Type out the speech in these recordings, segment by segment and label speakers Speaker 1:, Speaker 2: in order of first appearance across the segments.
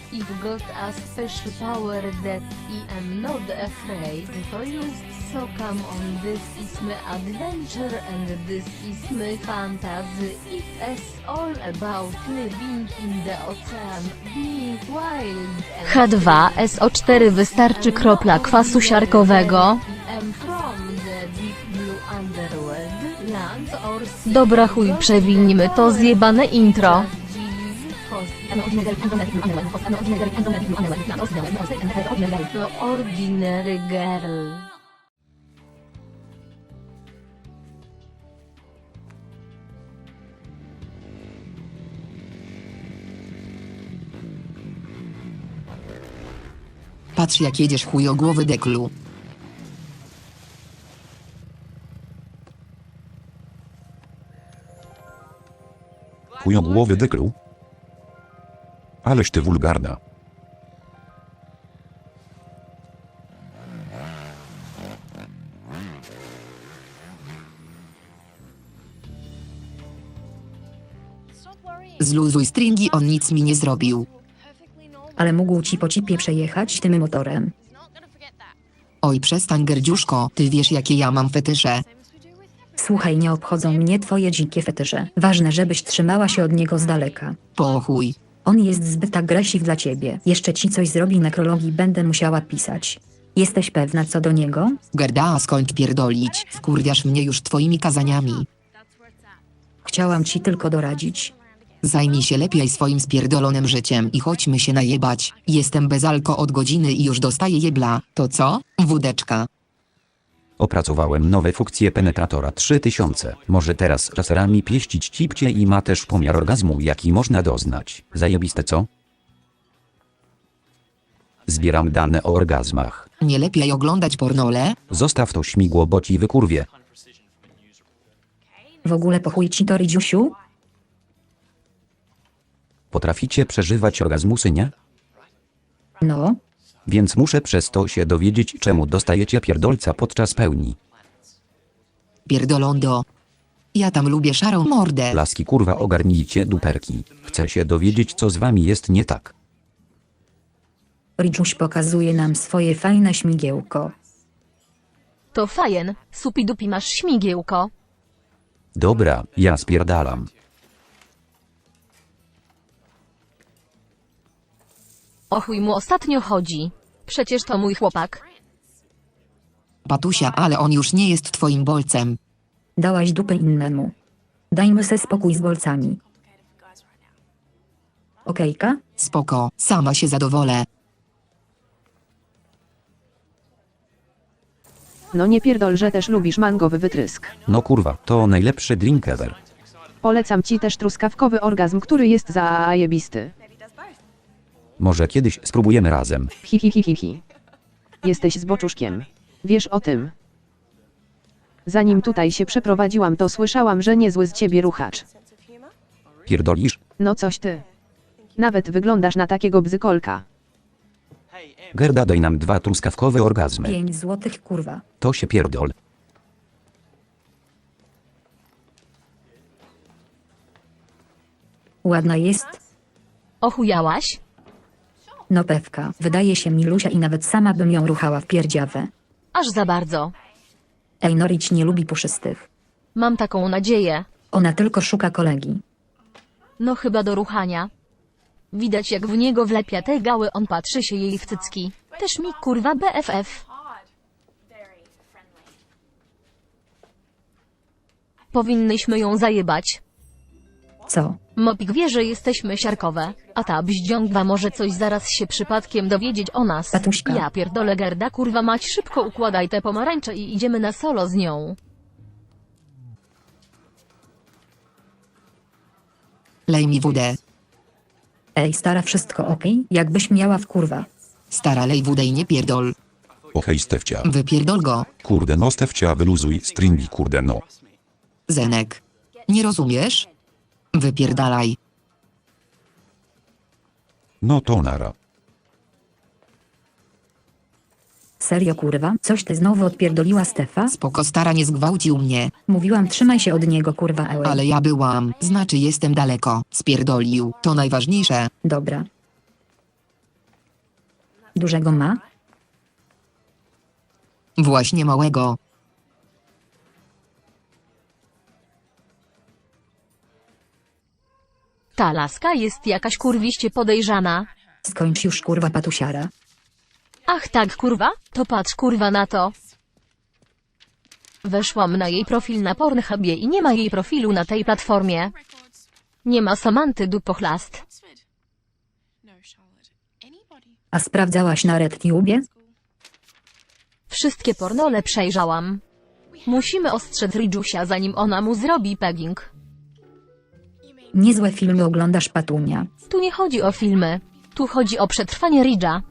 Speaker 1: I've got a special power that I am not afraid to use, so come on, this is my adventure and this is my fantasy. It's all about living in the ocean, being wild and
Speaker 2: H2SO4 wystarczy kropla kwasu siarkowego.
Speaker 1: I'm from the deep blue underworld, land or sea.
Speaker 2: Dobra chuj, przewinimy to zjebane intro.
Speaker 1: The ordinary girl.
Speaker 3: Patrz jak jedziesz chujogłowy deklu.
Speaker 4: Chujogłowy deklu? Aleś ty wulgarna.
Speaker 3: Zluzuj stringi, on nic mi nie zrobił.
Speaker 5: Ale mógł ci po cipie przejechać tym motorem.
Speaker 3: Oj przestań gerdziuszko, ty wiesz jakie ja mam fetysze.
Speaker 5: Słuchaj, nie obchodzą mnie twoje dzikie fetysze. Ważne, żebyś trzymała się od niego z daleka.
Speaker 3: Po chuj.
Speaker 5: On jest zbyt agresywny dla ciebie. Jeszcze ci coś zrobi, nekrologii będę musiała pisać. Jesteś pewna co do niego?
Speaker 3: Gerda, skończ pierdolić, wkurwiasz mnie już twoimi kazaniami.
Speaker 5: Chciałam ci tylko doradzić.
Speaker 3: Zajmij się lepiej swoim spierdolonym życiem i chodźmy się najebać. Jestem bez alko od godziny i już dostaję jebla. To co? Wódeczka.
Speaker 4: Opracowałem nowe funkcje penetratora 3000. Może teraz laserami pieścić cipcie i ma też pomiar orgazmu jaki można doznać. Zajebiste co? Zbieram dane o orgazmach.
Speaker 3: Nie lepiej oglądać pornole?
Speaker 4: Zostaw to śmigło, bo ci wykurwie.
Speaker 5: W ogóle po chuj ci to, Rydziusiu?
Speaker 4: Potraficie przeżywać orgazmusy, nie?
Speaker 5: No,
Speaker 4: Więc muszę przez to się dowiedzieć, czemu dostajecie pierdolca podczas pełni.
Speaker 3: Pierdolondo. Ja tam lubię szarą mordę.
Speaker 4: Laski kurwa ogarnijcie duperki. Chcę się dowiedzieć co z wami jest nie tak.
Speaker 5: Ridżuś pokazuje nam swoje fajne śmigiełko.
Speaker 2: To fajen, supidupi masz śmigiełko.
Speaker 4: Dobra, ja spierdalam.
Speaker 2: O chuj mu ostatnio chodzi. Przecież to mój chłopak.
Speaker 3: Patusia, ale on już nie jest twoim bolcem.
Speaker 5: Dałaś dupę innemu. Dajmy se spokój z bolcami. Okejka?
Speaker 3: Spoko, sama się zadowolę.
Speaker 6: No nie pierdol, że też lubisz mangowy wytrysk.
Speaker 4: No kurwa, to najlepszy drink ever.
Speaker 6: Polecam ci też truskawkowy orgazm, który jest zajebisty.
Speaker 4: Może kiedyś spróbujemy razem.
Speaker 6: Hi hi hi hi hi. Jesteś zboczuszkiem. Wiesz o tym. Zanim tutaj się przeprowadziłam, to słyszałam, że niezły z ciebie ruchacz.
Speaker 4: Pierdolisz?
Speaker 6: No coś ty. Nawet wyglądasz na takiego bzykolka.
Speaker 4: Gerda, daj nam 2 truskawkowe orgazmy.
Speaker 5: 5 złotych, kurwa.
Speaker 4: To się pierdol.
Speaker 5: Ładna jest?
Speaker 2: Ochujałaś?
Speaker 5: No pewka. Wydaje się milusia i nawet sama bym ją ruchała w pierdziawę.
Speaker 2: Aż za bardzo.
Speaker 5: Ej, Norić nie lubi puszystych.
Speaker 2: Mam taką nadzieję.
Speaker 5: Ona tylko szuka kolegi.
Speaker 2: No chyba do ruchania. Widać jak w niego wlepia te gały, on patrzy się jej w cycki. Też mi kurwa BFF. Powinnyśmy ją zajebać.
Speaker 5: Co?
Speaker 2: Mopik wie, że jesteśmy siarkowe, a ta bździągwa może coś zaraz się przypadkiem dowiedzieć o nas.
Speaker 5: Tatuśka.
Speaker 2: Ja pierdolę Gerda, kurwa mać, szybko układaj te pomarańcze i idziemy na solo z nią.
Speaker 3: Lej mi wódę.
Speaker 5: Ej, stara, wszystko okej? Jakbyś miała w kurwa.
Speaker 3: Stara, lej wódę i nie pierdol.
Speaker 4: O hej Stefcia.
Speaker 3: Wypierdol go.
Speaker 4: Kurde no Stefcia, wyluzuj stringi kurde no.
Speaker 3: Zenek. Nie rozumiesz? Wypierdalaj.
Speaker 4: No to nara.
Speaker 5: Serio kurwa? Coś ty znowu odpierdoliła Stefa?
Speaker 3: Spoko, stara, nie zgwałcił mnie.
Speaker 5: Mówiłam, trzymaj się od niego kurwa, ełej.
Speaker 3: Ale ja byłam, znaczy jestem daleko. Spierdolił, to najważniejsze.
Speaker 5: Dobra. Dużego ma?
Speaker 3: Właśnie małego.
Speaker 2: Ta laska jest jakaś kurwiście podejrzana.
Speaker 5: Skończ już kurwa patusiara.
Speaker 2: Ach tak kurwa, to patrz kurwa na to. Weszłam na jej profil na Pornhubie i nie ma jej profilu na tej platformie. Nie ma Samanty dupochlast.
Speaker 5: A sprawdzałaś na RedTube?
Speaker 2: Wszystkie pornole przejrzałam. Musimy ostrzec Ridżusia zanim ona mu zrobi pegging.
Speaker 5: Niezłe filmy oglądasz patunia.
Speaker 2: Tu nie chodzi o filmy. Tu chodzi o przetrwanie Ridża.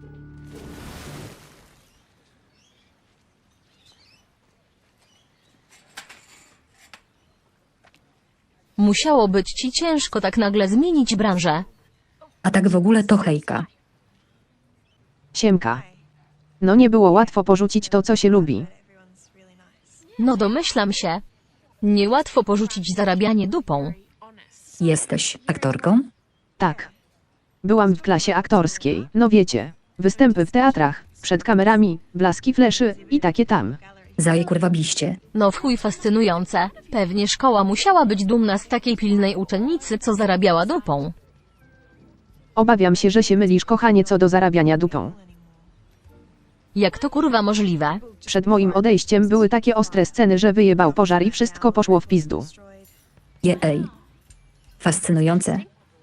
Speaker 2: Musiało być ci ciężko tak nagle zmienić branżę.
Speaker 5: A tak w ogóle to hejka.
Speaker 6: Siemka. No nie było łatwo porzucić to, co się lubi.
Speaker 2: No domyślam się. Niełatwo porzucić zarabianie dupą.
Speaker 5: Jesteś aktorką?
Speaker 6: Tak. Byłam w klasie aktorskiej, no wiecie. Występy w teatrach, przed kamerami, blaski fleszy i takie tam.
Speaker 5: Zaje kurwa biście.
Speaker 2: No w chuj fascynujące. Pewnie szkoła musiała być dumna z takiej pilnej uczennicy, co zarabiała dupą.
Speaker 6: Obawiam się, że się mylisz, kochanie, co do zarabiania dupą.
Speaker 2: Jak to kurwa możliwe?
Speaker 6: Przed moim odejściem były takie ostre sceny, że wyjebał pożar i wszystko poszło w pizdu.
Speaker 5: Jej. Fascynujące.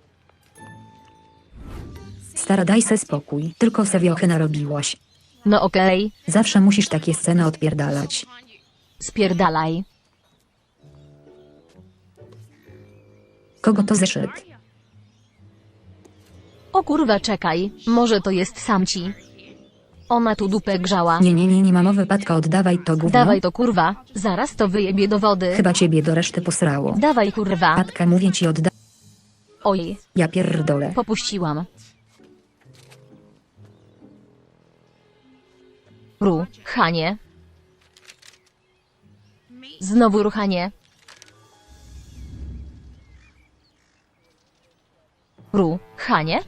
Speaker 5: Stara, daj se spokój, tylko se wiochy narobiłaś.
Speaker 2: No okej,
Speaker 5: Zawsze musisz takie sceny odpierdalać.
Speaker 2: spierdalaj.
Speaker 5: Kogo to zeszyt?
Speaker 2: O kurwa czekaj, może to jest samci. Ona tu dupę grzała.
Speaker 5: Nie ma mowy, Patka, oddawaj to gówno.
Speaker 2: Dawaj to kurwa, zaraz to wyjebie do wody.
Speaker 5: Chyba ciebie do reszty posrało.
Speaker 2: Dawaj kurwa.
Speaker 5: Patka, mówię ci, oddawaj.
Speaker 2: Oj,
Speaker 5: Ja pierdolę.
Speaker 2: popuściłam. Ruchanie. Znowu ruchanie. Ruchanie?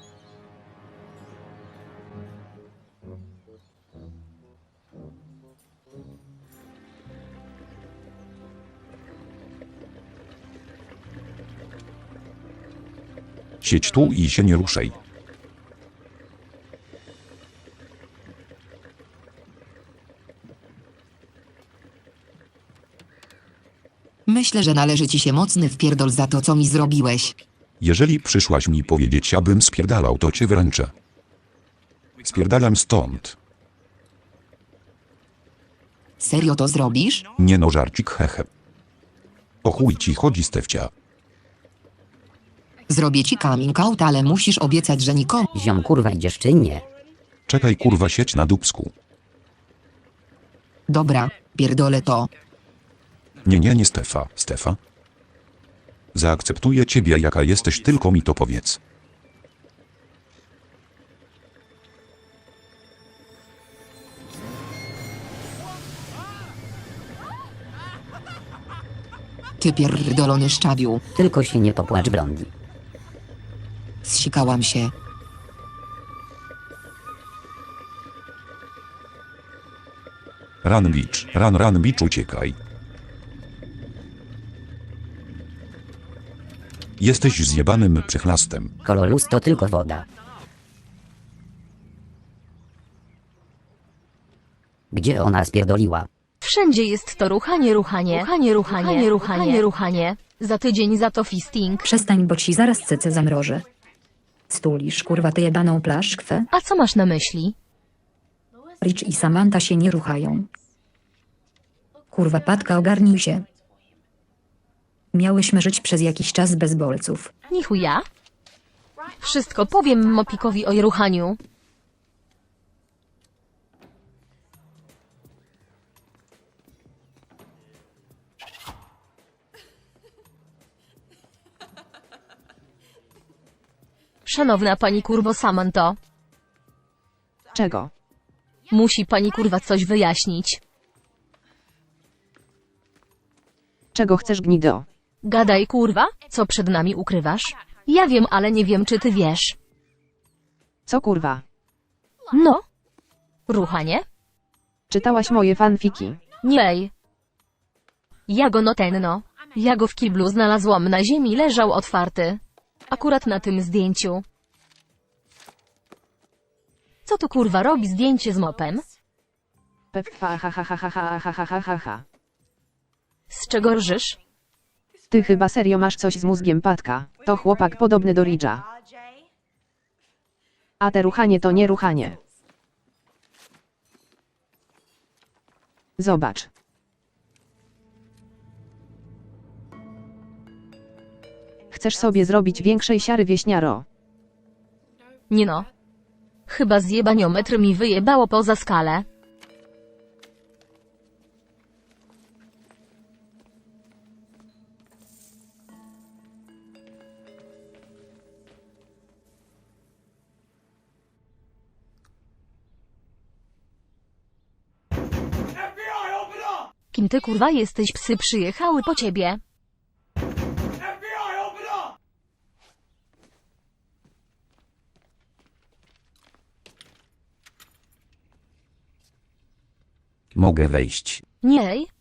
Speaker 7: Siedź tu i się nie ruszaj.
Speaker 3: Myślę, że należy ci się mocny wpierdol za to, co mi zrobiłeś.
Speaker 7: Jeżeli przyszłaś mi powiedzieć, abym spierdalał, to cię wręczę. Spierdalam stąd.
Speaker 3: Serio to zrobisz?
Speaker 7: Nie no, żarcik, hehe. O chuj ci chodzi, Stefcia.
Speaker 3: Zrobię ci coming out, ale musisz obiecać, że nikomu.
Speaker 8: Ziom kurwa idziesz czy nie?
Speaker 7: Czekaj kurwa, sieć na dupsku.
Speaker 3: Dobra, pierdolę to.
Speaker 7: Nie, Stefa. Zaakceptuję ciebie jaka jesteś, tylko mi to powiedz.
Speaker 3: Ty pierdolony szczawiu.
Speaker 8: Tylko się nie popłacz, blondi.
Speaker 3: Zsikałam się.
Speaker 7: Run bitch, uciekaj. Jesteś zjebanym przychlastem.
Speaker 8: Kololus to tylko woda. Gdzie ona spierdoliła?
Speaker 2: Wszędzie jest to ruchanie. Za tydzień za to fisting.
Speaker 5: Przestań, bo ci zaraz cyce zamrożę. Stulisz, kurwa, tę jebaną plaszkwę.
Speaker 2: A co masz na myśli?
Speaker 5: Rich i Samantha się nie ruchają. Kurwa, Patka, ogarnij się. Miałyśmy żyć przez jakiś czas bez bolców.
Speaker 2: Ni chuja. Wszystko powiem Mopikowi o ruchaniu. Szanowna pani kurwo Samanto,
Speaker 6: Czego?
Speaker 2: musi pani kurwa coś wyjaśnić.
Speaker 6: Czego chcesz, gnido?
Speaker 2: Gadaj kurwa, co przed nami ukrywasz? Ja wiem, ale nie wiem, czy ty wiesz.
Speaker 6: Co kurwa?
Speaker 2: No. Ruchanie?
Speaker 6: Czytałaś moje fanfiki.
Speaker 2: Nie. Ja go notenno. Ja go w kiblu znalazłam na ziemi, leżał otwarty. Akurat na tym zdjęciu. Co tu kurwa robi zdjęcie z mopem?
Speaker 6: Ha.
Speaker 2: Z czego rżysz?
Speaker 6: Ty chyba serio masz coś z mózgiem, Patka. To chłopak podobny do Ridge'a. A te ruchanie to nie ruchanie. Zobacz. Chcesz sobie zrobić większej siary, wieśniaro?
Speaker 2: Nie no. Chyba zjebaniometr mi wyjebało poza skalę. Kim ty kurwa jesteś? Psy przyjechały po ciebie.
Speaker 4: Mogę wejść.
Speaker 2: Nie.